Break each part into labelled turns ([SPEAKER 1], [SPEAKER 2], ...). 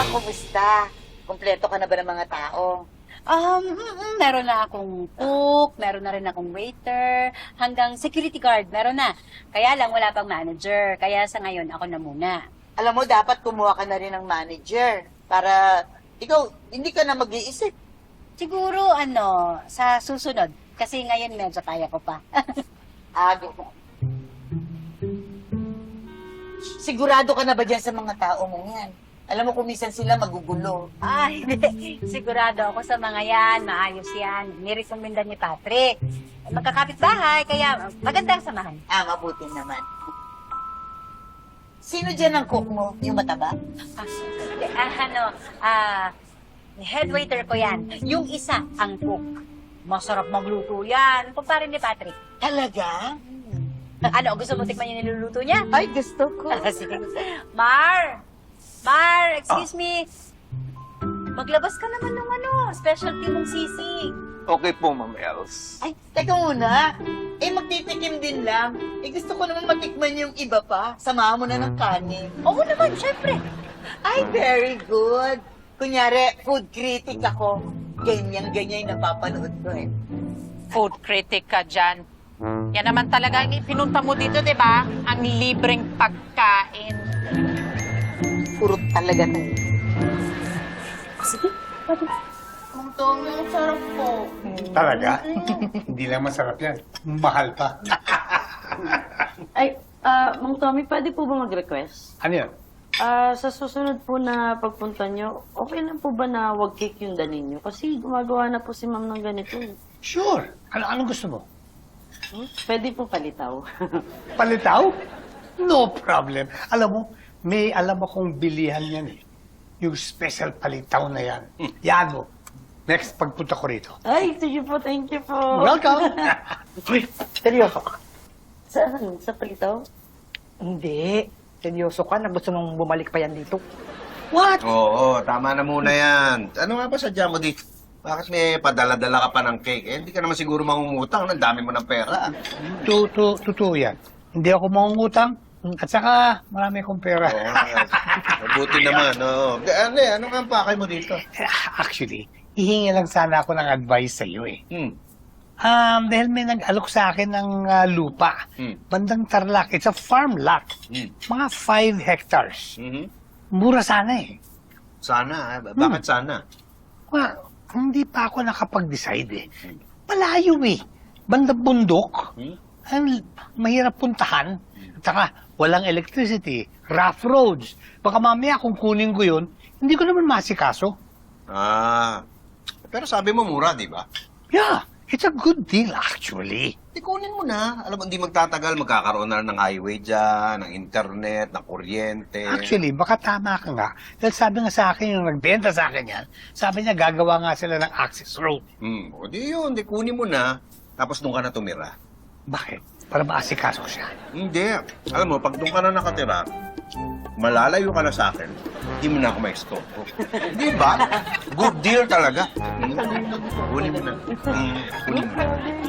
[SPEAKER 1] kumusta? Kompleto ka na ba ng mga tao?
[SPEAKER 2] Meron na akong cook, meron na rin akong waiter, hanggang security guard, meron na. Kaya lang wala pang manager, kaya sa ngayon ako na muna.
[SPEAKER 1] Alam mo, dapat kumuha ka na rin ng manager para ikaw, hindi ka na mag-iisip.
[SPEAKER 2] Siguro, sa susunod, kasi ngayon medyo kaya ko pa.
[SPEAKER 1] Sigurado ka na ba dyan sa mga tao mong yan? Alam mo kung minsan sila magugulo.
[SPEAKER 2] Ay, hindi. Sigurado ako sa mga yan, maayos yan. Nirekomendan ni Patrick. Magkakapit bahay, kaya magandang samahan.
[SPEAKER 1] Mabuti naman. Sino dyan ang cook mo? Yung mataba?
[SPEAKER 2] Head waiter ko yan. Yung isa, ang cook. Masarap magluto yan. Kumpare ni Patrick.
[SPEAKER 1] Talaga?
[SPEAKER 2] Gusto mo tikman yung niluluto niya?
[SPEAKER 1] Ay, gusto ko.
[SPEAKER 2] Sige. Mar, excuse me. Maglabas ka naman ng specialty mong sisig.
[SPEAKER 3] Okay po, Ma'am Els.
[SPEAKER 1] Ay, teka muna. Magtitikim din lang. Gusto ko naman matikman yung iba pa. Samahan mo na ng kanin.
[SPEAKER 2] Oo naman, syempre.
[SPEAKER 1] Ay, very good. Kunyari, food critic ako. Ganyan-ganyan yung napapanood ko eh.
[SPEAKER 4] Food critic ka dyan. Yan naman talaga ang pinunta mo dito, di ba? Ang libreng pagkain.
[SPEAKER 1] Puro talaga tayo. Sige, pwede. Ang dami, ang sarap po.
[SPEAKER 5] Talaga? Hindi lang masarap yan. Mahal pa.
[SPEAKER 6] Ay, Mang Tommy, pwede po ba mag-request?
[SPEAKER 5] Ano yan?
[SPEAKER 6] Sa susunod po na pagpunta nyo, okay lang po ba na wag cake yung danin nyo? Kasi gumagawa na po si ma'am ng ganito.
[SPEAKER 5] Sure. Anong gusto mo?
[SPEAKER 6] Pwede po palitaw.
[SPEAKER 5] Palitaw? No problem. Alam mo, may alam akong bilihan yan eh. Yung special palitaw na yan. Yan mo. Next pagpunta ko rito.
[SPEAKER 6] Ay, sige po, thank you po.
[SPEAKER 5] Welcome!
[SPEAKER 1] Uy, seryoso ka?
[SPEAKER 6] Saan? Sa palitaw?
[SPEAKER 7] Hindi. Seryoso ka na gusto mong bumalik pa yan dito.
[SPEAKER 5] What?
[SPEAKER 8] Oo, tama na muna yan. Ano nga ba sadya mo dito? Bakit may padala-dala ka pa ng cake? Hindi ka naman siguro mangungutang. Ang dami mo ng pera.
[SPEAKER 5] Totoo yan. Hindi ako mangungutang. At saka, marami akong pera.
[SPEAKER 8] Oo, mabuti naman. Oo. Ano nga ang pakay mo dito?
[SPEAKER 5] Actually, hihingi lang sana ako ng advice sa iyo eh. Dahil may nag-alok sa akin ng lupa. Bandang Tarlac. It's a farm lot. Mga 5 hectares. Mura sana eh.
[SPEAKER 8] Sana. Bakit sana?
[SPEAKER 5] Well, hindi pa ako nakapag-decide eh. Malayo eh. Bandang bundok. Mahirap puntahan. At saka, walang electricity. Rough roads. Baka mamaya kung kunin ko yun, hindi ko naman masikaso.
[SPEAKER 8] Pero sabi mo mura, di ba?
[SPEAKER 5] Yeah, it's a good deal actually.
[SPEAKER 8] Kunin mo na. Alam mo, hindi magtatagal. Magkakaroon na ng highway dyan, ng internet, ng kuryente.
[SPEAKER 5] Actually, baka tama ka nga. Dahil sabi nga sa akin, yung nagbenta sa akin yan, sabi niya gagawa nga sila ng access road.
[SPEAKER 8] O di yun, di kunin mo na. Tapos doon ka na tumira.
[SPEAKER 5] Bakit? Para maasikaso ko siya.
[SPEAKER 8] Hindi. Alam mo, pag doon ka na nakatira, malalayo ka na sa akin, hindi mo na ako ma-stoko. Di ba? Good deal talaga. Kunin mo na. Kunin mo na.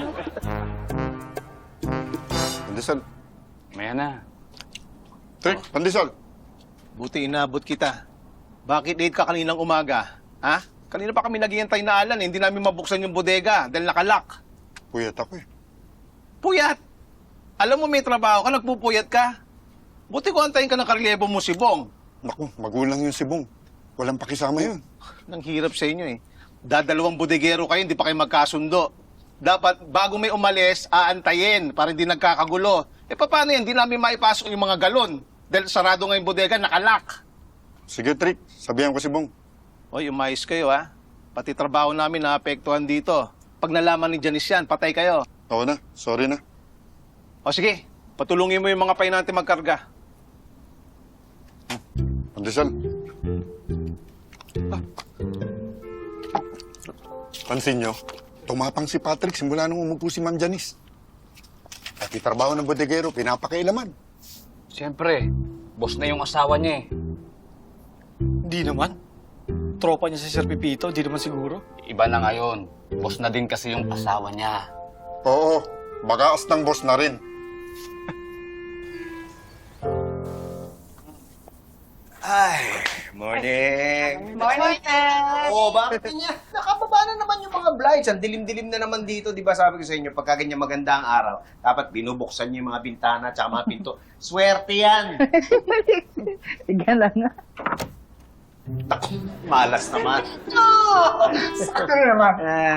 [SPEAKER 3] Pandesal.
[SPEAKER 9] Maya na.
[SPEAKER 3] Trick, pandesal.
[SPEAKER 10] Buti inabot kita. Bakit late ka kaninang umaga? Ha? Kanina pa kami naghihintay na Alan, hindi namin mabuksan yung bodega dahil nakalak.
[SPEAKER 3] Puyat ako eh.
[SPEAKER 10] Puyat! Alam mo may trabaho ka, nagpupuyat ka. Buti ko antayin ka ng karyebo mo si Bong.
[SPEAKER 3] Naku, magulang yung si Bong. Walang pakisama yun.
[SPEAKER 10] Nang hirap sa inyo eh. Dadalawang bodegero kayo, hindi pa kayo magkasundo. Dapat bago may umalis, aantayin para hindi nagkakagulo. Paano yan? Hindi namin maipasok yung mga galon. Dahil sarado nga yung bodega, nakalak.
[SPEAKER 3] Sige, Trick. Sabihan ko si Bong.
[SPEAKER 10] Oy, umayos kayo ha. Pati trabaho namin naapektuhan dito. Pag nalaman ni Janice yan, patay kayo.
[SPEAKER 3] Oo na, sorry na.
[SPEAKER 10] O sige, patulungin mo yung mga painante magkarga.
[SPEAKER 3] Pandesal. Pansin nyo, tumapang si Patrick simula nung umupo si Ma'am Janice. Pati trabaho ng bodegero, pinapakailaman.
[SPEAKER 9] Siyempre, boss na yung asawa niya eh.
[SPEAKER 7] Hindi naman. Tropa niya si Sir Pipito, di naman siguro.
[SPEAKER 9] Iba na ngayon. Boss na din kasi yung asawa niya.
[SPEAKER 3] Oo, bagaas ng boss na rin.
[SPEAKER 8] Ay, Morning!
[SPEAKER 1] Morning,
[SPEAKER 8] Oo, bakit niya? Nakababa na naman yung mga blinds. Ang dilim-dilim na naman dito, di ba? Sabi ko sa inyo, pagka ganyan maganda ang araw, dapat binubuksan niyo yung mga bintana at mga pinto. Swerte yan!
[SPEAKER 6] Gala nga.
[SPEAKER 8] Naku, malas naman.
[SPEAKER 5] Sakto na naman.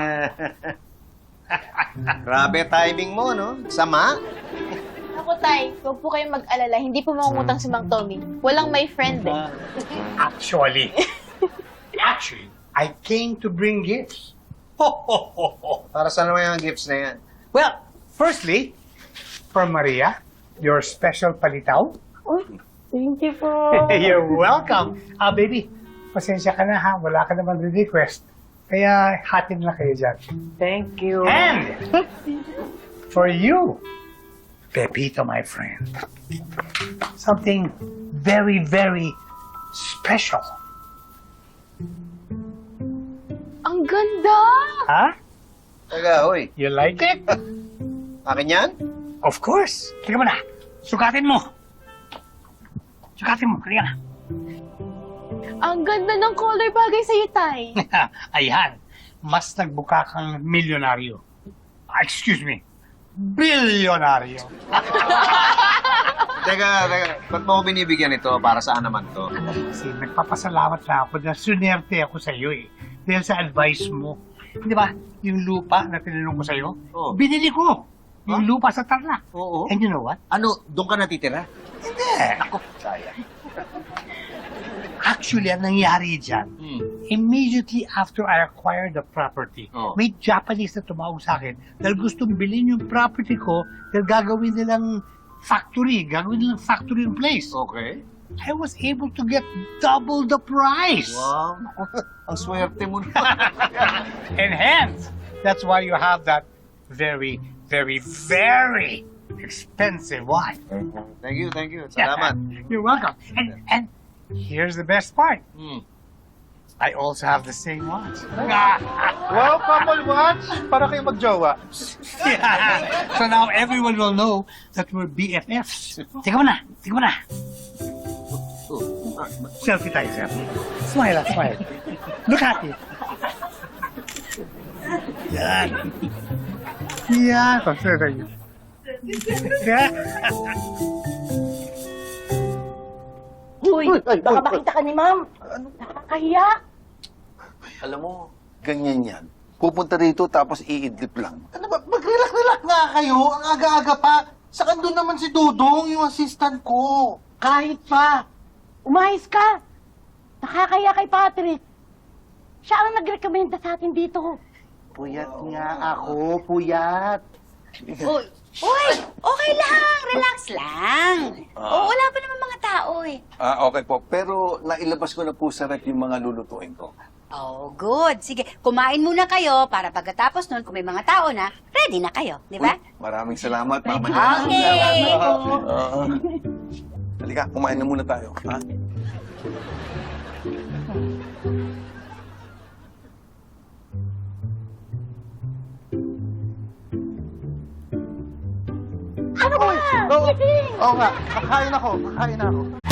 [SPEAKER 8] Grabe timing mo, no? Sama?
[SPEAKER 11] Ako, Tay, huwag po kayong mag-alala. Hindi po mangungutang si Mang Tommy. Walang may friend eh.
[SPEAKER 5] Actually, I came to bring gifts.
[SPEAKER 8] Para saan naman yung gifts na yan?
[SPEAKER 5] Well, firstly, for Maria, your special palitaw.
[SPEAKER 6] Thank you po.
[SPEAKER 5] You're welcome. Baby, pasensya ka na ha. Wala ka naman request. Kaya hatid na kayo dyan.
[SPEAKER 6] Thank you.
[SPEAKER 5] And for you, Pepito, my friend, something very, very special.
[SPEAKER 11] Ang ganda!
[SPEAKER 5] Huh?
[SPEAKER 8] Taga, hoy.
[SPEAKER 5] You like it?
[SPEAKER 8] Akin yan?
[SPEAKER 5] Of course. Tingnan mo na. Sukatin mo. Sukatin mo. Kaya na.
[SPEAKER 11] Ang ganda ng color bagay sa'yo, Tay.
[SPEAKER 5] Ayan. Mas nagbuka kang milyonaryo. Excuse me. Bilyonaryo.
[SPEAKER 8] Teka. Ba't mo ako binibigyan ito? Para saan naman to?
[SPEAKER 5] Kasi nagpapasalamat na ako na sunerte ako sa iyo eh. Dahil sa advice mo. Di ba? Yung lupa na tinanong ko sa iyo,
[SPEAKER 8] Oo.
[SPEAKER 5] binili ko. Yung lupa sa Tarlac.
[SPEAKER 8] Oo.
[SPEAKER 5] And you know what?
[SPEAKER 8] Ano, doon ka natitira?
[SPEAKER 5] Hindi. Ako, sayang. Actually, ang nangyari dyan, immediately after I acquired the property,
[SPEAKER 8] Oh.
[SPEAKER 5] may Japanese na tumawag sa akin dahil gustong bilhin yung property ko dahil gagawin nilang factory in place.
[SPEAKER 8] Okay.
[SPEAKER 5] I was able to get double the price.
[SPEAKER 8] Wow. Ang swerte mo na.
[SPEAKER 5] And hence, that's why you have that very, very, very expensive watch.
[SPEAKER 8] Thank you. Salamat.
[SPEAKER 5] You're welcome. And here's the best part. I also have the same watch.
[SPEAKER 10] Wow, couple watch! Para kayo magjowa.
[SPEAKER 5] Yeah. So now everyone will know that we're BFFs. Tingnan mo na. Selfie tayo, selfie. Smile. Look at it. Yan. Yan. Consider tayo. Yeah.
[SPEAKER 6] Uy, baka makita ka ni Ma'am. Nakakahiya.
[SPEAKER 3] Alam mo, ganyan yan. Pupunta rito tapos iidlip lang.
[SPEAKER 12] Ano ba? Mag-relax nga kayo. Ang aga-aga pa. Saka doon naman si Dudong, yung assistant ko.
[SPEAKER 6] Kahit pa. Umayos ka. Nakakahiya kay Patrick. Siya ang nagrekomenda sa atin dito.
[SPEAKER 12] Puyat nga ako, puyat.
[SPEAKER 2] Uy, okay lang. Relax lang. Wala pa naman mga tao eh.
[SPEAKER 3] Okay po. Pero nailabas ko na po sa rep yung mga lulutuin ko.
[SPEAKER 2] Oh, good. Sige, kumain muna kayo para pagkatapos nun, kung may mga tao na, ready na kayo. Di ba?
[SPEAKER 3] Maraming salamat, Mama.
[SPEAKER 2] Okay.
[SPEAKER 3] Halika, kumain na muna tayo. Ha?
[SPEAKER 12] Oo nga, kakain ako.